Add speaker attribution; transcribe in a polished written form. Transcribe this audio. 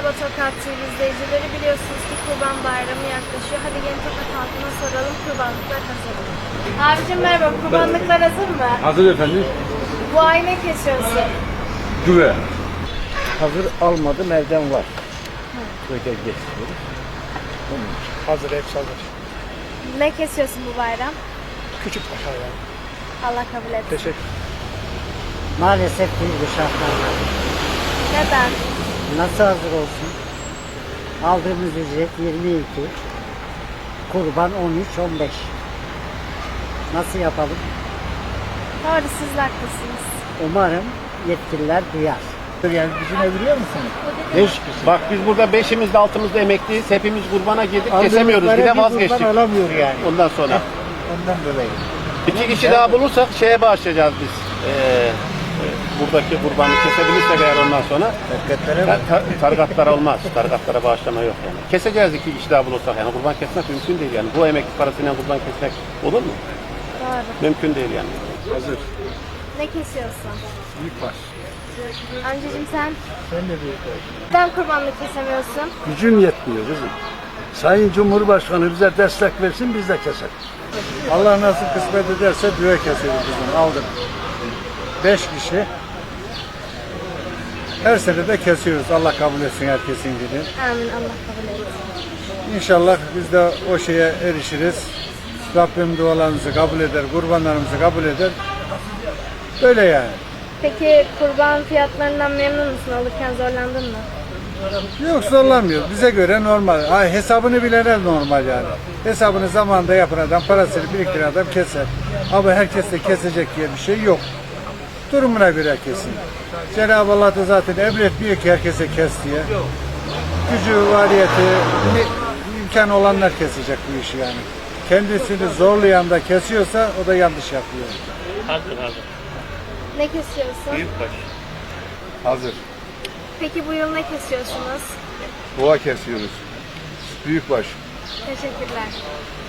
Speaker 1: Merhaba Tokat TV izleyicileri, biliyorsunuz ki Kurban Bayramı yaklaşıyor. Hadi gelin Tokat halkına soralım, kurbanlıklar hazır mı? Abicim merhaba, kurbanlıklar hazır mı?
Speaker 2: Hazır efendim.
Speaker 1: Bu ay ne kesiyorsun?
Speaker 2: Güve.
Speaker 3: Hazır almadım, evden var. Böyle getiriyoruz.
Speaker 4: Hazır, hepsi hazır.
Speaker 1: Ne kesiyorsun bu bayram?
Speaker 4: Küçük paşa yani.
Speaker 1: Allah kabul etsin.
Speaker 4: Teşekkür.
Speaker 3: Maalesef değil bu şartlarda.
Speaker 1: Neden?
Speaker 3: Nasıl hazır olsun? Aldığımız ücret 22. Kurban 13-15. Nasıl yapalım?
Speaker 1: Doğru, siz haklısınız.
Speaker 3: Umarım yetkililer duyar.
Speaker 5: Yani düşünebiliyor musunuz?
Speaker 6: Bak biz burada beşimizde altımızda emekliyiz. Hepimiz kurbana girdik,
Speaker 5: Aldığımız
Speaker 6: kesemiyoruz. Bir
Speaker 5: para
Speaker 6: de vazgeçtik.
Speaker 5: kurban alamıyor yani.
Speaker 6: Ondan sonra.
Speaker 5: Ondan dolayı.
Speaker 6: 2 kişi daha bulursak şeye bağışlayacağız biz. Buradaki kurbanı kesebilirsek eğer ondan sonra. Tarikatlara olmaz. Tarikatlara bağışlama yok yani. Keseceğiz 2 kişi daha bulursak yani. Kurban kesmek mümkün değil yani. Bu emekli parasıyla kurban kesmek olur mu?
Speaker 1: Doğru.
Speaker 6: Mümkün değil yani.
Speaker 2: Hazır.
Speaker 1: Ne kesiyorsun?
Speaker 2: Büyükbaş.
Speaker 1: Amcacığım sen?
Speaker 5: Sen de büyük ol.
Speaker 1: Neden kurbanlık kesemiyorsun?
Speaker 2: Gücün yetmiyor kızım. Sayın Cumhurbaşkanı bize destek versin, biz de keselim. Allah nasıl kısmet ederse düve keseriz bizim. Aldım. 5 kişi. Her sene de kesiyoruz. Allah kabul etsin herkesin gibi.
Speaker 1: Amin, Allah kabul etsin.
Speaker 2: İnşallah biz de o şeye erişiriz. Rabbim dualarımızı kabul eder, kurbanlarımızı kabul eder. Böyle yani.
Speaker 1: Peki kurban fiyatlarından memnun musun? Alırken zorlandın mı?
Speaker 2: Yok zorlanmıyor. Bize göre normal. Hesabını bilene normal yani. Hesabını zamanında yapan adam, parasını biriktiren adam keser. Ama herkes de kesecek diye bir şey yok. Durumuna göre kesin. Cenab-ı Allah da zaten emretmiyor ki herkese kes diye. Gücü, variyeti, imkan olanlar kesecek bu işi yani. Kendisini zorlayan da kesiyorsa o da yanlış yapıyor.
Speaker 1: Ne kesiyorsun?
Speaker 2: Hazır.
Speaker 1: Peki bu yıl ne kesiyorsunuz?
Speaker 2: Boğa kesiyoruz. Büyükbaş.
Speaker 1: Teşekkürler.